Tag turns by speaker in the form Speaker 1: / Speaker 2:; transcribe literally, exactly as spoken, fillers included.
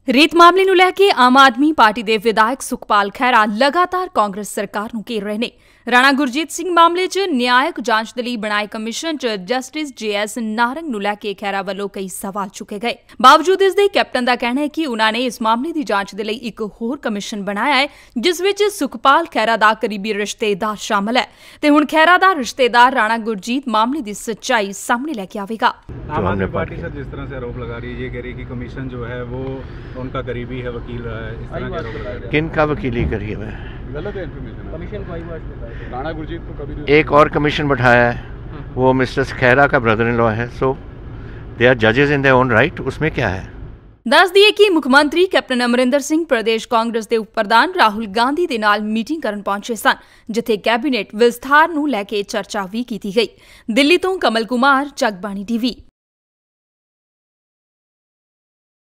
Speaker 1: ਰੀਤ ਮਾਮਲੇ ਨੂੰ ਲੈ ਕੇ ਆਮ ਆਦਮੀ ਪਾਰਟੀ ਦੇ ਵਿਧਾਇਕ ਸੁਖਪਾਲ ਖਹਿਰਾ ਲਗਾਤਾਰ ਕਾਂਗਰਸ ਸਰਕਾਰ ਨੂੰ ਘੇਰ ਰਹੇ ਨੇ। ਰਾਣਾ ਗੁਰਜੀਤ ਸਿੰਘ ਮਾਮਲੇ 'ਚ ਨਿਆਇਕ ਜਾਂਚ ਦੇ ਲਈ ਬਣਾਏ ਕਮਿਸ਼ਨ 'ਚ ਜਸਟਿਸ ਜੇ ਐਸ ਨਾਰੰਗ ਨੂੰ ਲੈ ਕੇ ਖਹਿਰਾ ਵੱਲੋਂ ਕਈ ਸਵਾਲ ਚੁੱਕੇ ਗਏ। ਬਾਵਜੂਦ ਇਸ ਦੇ ਕੈਪਟਨ ਦਾ ਕਹਿਣਾ ਹੈ ਕਿ ਉਨ੍ਹਾਂ ਨੇ ਇਸ ਮਾਮਲੇ ਦੀ ਜਾਂਚ ਦੇ ਲਈ ਇੱਕ ਹੋਰ ਕਮਿਸ਼ਨ ਬਣਾਇਆ ਹੈ, ਜਿਸ ਵਿੱਚ ਸੁਖਪਾਲ ਖਹਿਰਾ ਦਾ ਕਰੀਬੀ ਰਿਸ਼ਤੇਦਾਰ ਸ਼ਾਮਲ ਹੈ ਤੇ ਹੁਣ ਖਹਿਰਾ ਦਾ ਰਿਸ਼ਤੇਦਾਰ ਰਾਣਾ गुरजीत मामले की सच्चाई सामने लेके आवेगा।
Speaker 2: आम आदमी पार्टी सर जिस तरह से आरोप लगा रही है, ये कह रही है कि कमीशन जो है वो उनका करीबी है, वकील रहा है, इस तरह के आरोप लगा रही है।
Speaker 3: किन का वकीली करी है?
Speaker 2: गलत है इन्फॉर्मेशन। कमीशन को आई बात राणा गुरजीत को कभी
Speaker 3: एक और कमीशन बैठाया है, वो मिस्टर खैरा का ब्रदर इन लॉ है, सो दे आर जजेस इन देयर ओन राइट। उसमें क्या है?
Speaker 1: दस दिए कि मुख मंत्री कैप्टन अमरिंदर सिंह प्रदेश कांग्रेस के उप प्रधान राहुल गांधी दे नाल मीटिंग करन पहुंचे सन, जिथे कैबिनेट विस्तार नूं लैके चर्चा भी की गई। दिल्ली तो कमल कुमार, जगबाणी टीवी।